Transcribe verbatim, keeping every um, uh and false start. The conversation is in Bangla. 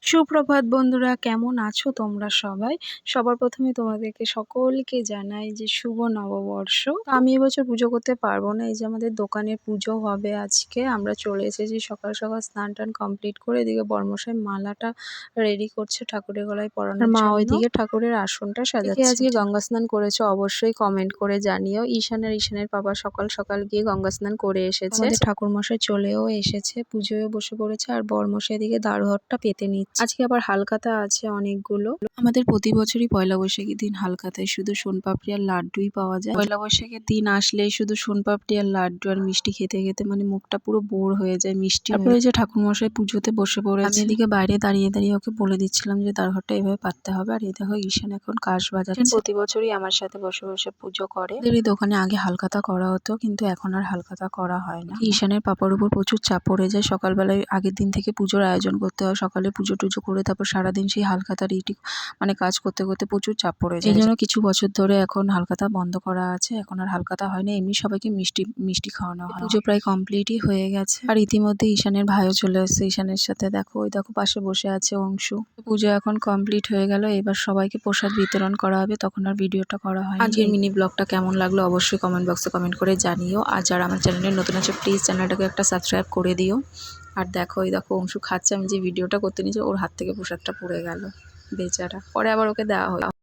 সুপ্রভাত বন্ধুরা, কেমন আছো তোমরা সবাই? সবার প্রথমে তোমাদেরকে সকলকে জানাই যে শুভ নববর্ষ। তো আমি এবছর পুজো করতে পারবো না, এই যে আমাদের দোকানে পুজো হবে আজকে। আমরা চলে এসেছি সকাল সকাল, স্নান টান কমপ্লিট করে। এদিকে বর্মশাই মালাটা রেডি করছে ঠাকুরের গলায় পরানোর মা জন্য। ওইদিকে ঠাকুরের আসনটা সাজাচ্ছে। আজকে গঙ্গা স্নান করেছে অবশ্যই কমেন্ট করে জানিও। ঈশান আর ঈশানের বাবা সকাল সকাল গিয়ে গঙ্গা স্নান করে এসেছে। আমাদের ঠাকুর মশাই চলেও এসেছে, পুজোয় বসে পড়েছে, আর বর্মশাই এদিকে দারুহারটা পেতে নিচ্ছে। আজকে আবার হালখাতা আছে অনেকগুলো। আমাদের প্রতি বছরই পয়লা বৈশাখের দিন হালখাতায় শুধু সোনপাপড়ি আর লাড্ডুই পাওয়া যায়। পয়লা বৈশাখের দিন আসলেই শুধু সোনপাপড়ি আর লাড্ডু আর মিষ্টি খেতে খেতে মানে মুখটা পুরো বোর হয়ে যায় মিষ্টি। তারপরে যে ঠাকুর মশাই পুজোতে বসে পড়েছে, আমি এদিকে বাইরে দাঁড়িয়ে দাঁড়িয়ে ওকে বলে দিচ্ছিলাম যে দারুহারটা এভাবে পাততে হবে। আর এই দেখো ঈশান এখন কাশ বাজাচ্ছে। প্রতি বছরই আমার সাথে বসে বসে পুজো করে। এই দোকানে আগে হালখাতা করা হতো, কিন্তু এখন আর হালখাতা করা হয় না। ঈশানের পাপার উপর প্রচুর চাপ পড়ে যায়। সকালবেলায় আগের দিন থেকে পুজোর আয়োজন করতে হয়, সকালে পুজো টুজো করে তারপর সারাদিন সেই হালখাতা রেডি মানে কাজ করতে করতে প্রচুর চাপ পড়ে যায়। এই জন্য কিছু বছর ধরে এখন হালখাতা বন্ধ করা আছে, এখন আর হালখাতা হয় না, এমনি সবাইকে মিষ্টি মিষ্টি খাওয়ানো হয়। পুজো প্রায় কমপ্লিটই হয়ে গেছে। আর ইতিমধ্যে ঈশানের ভাইও চলে এসেছে। ঈশানের সাথে দেখো ওই দেখো পাশে বসে আছে অংশু। পুজো এখন কমপ্লিট হয়ে গেল, এবার সবাইকে প্রসাদ বিতরণ করা হবে, তখন আর ভিডিওটা করা হয়। আজকের মিনি ব্লগটা কেমন লাগলো অবশ্যই কমেন্ট বক্সে কমেন্ট করে জানিও। আর যারা আমার চ্যানেলে নতুন আছে প্লিজ চ্যানেলটাকে একটা সাবস্ক্রাইব করে দিও। আর দেখো এই দেখো অংশু খাচ্ছে, আমি যে ভিডিওটা করতে নিয়েছি ওর হাত থেকে প্রসাদটা পড়ে গেল বেচারা, পরে আবার ওকে দেওয়া হলো।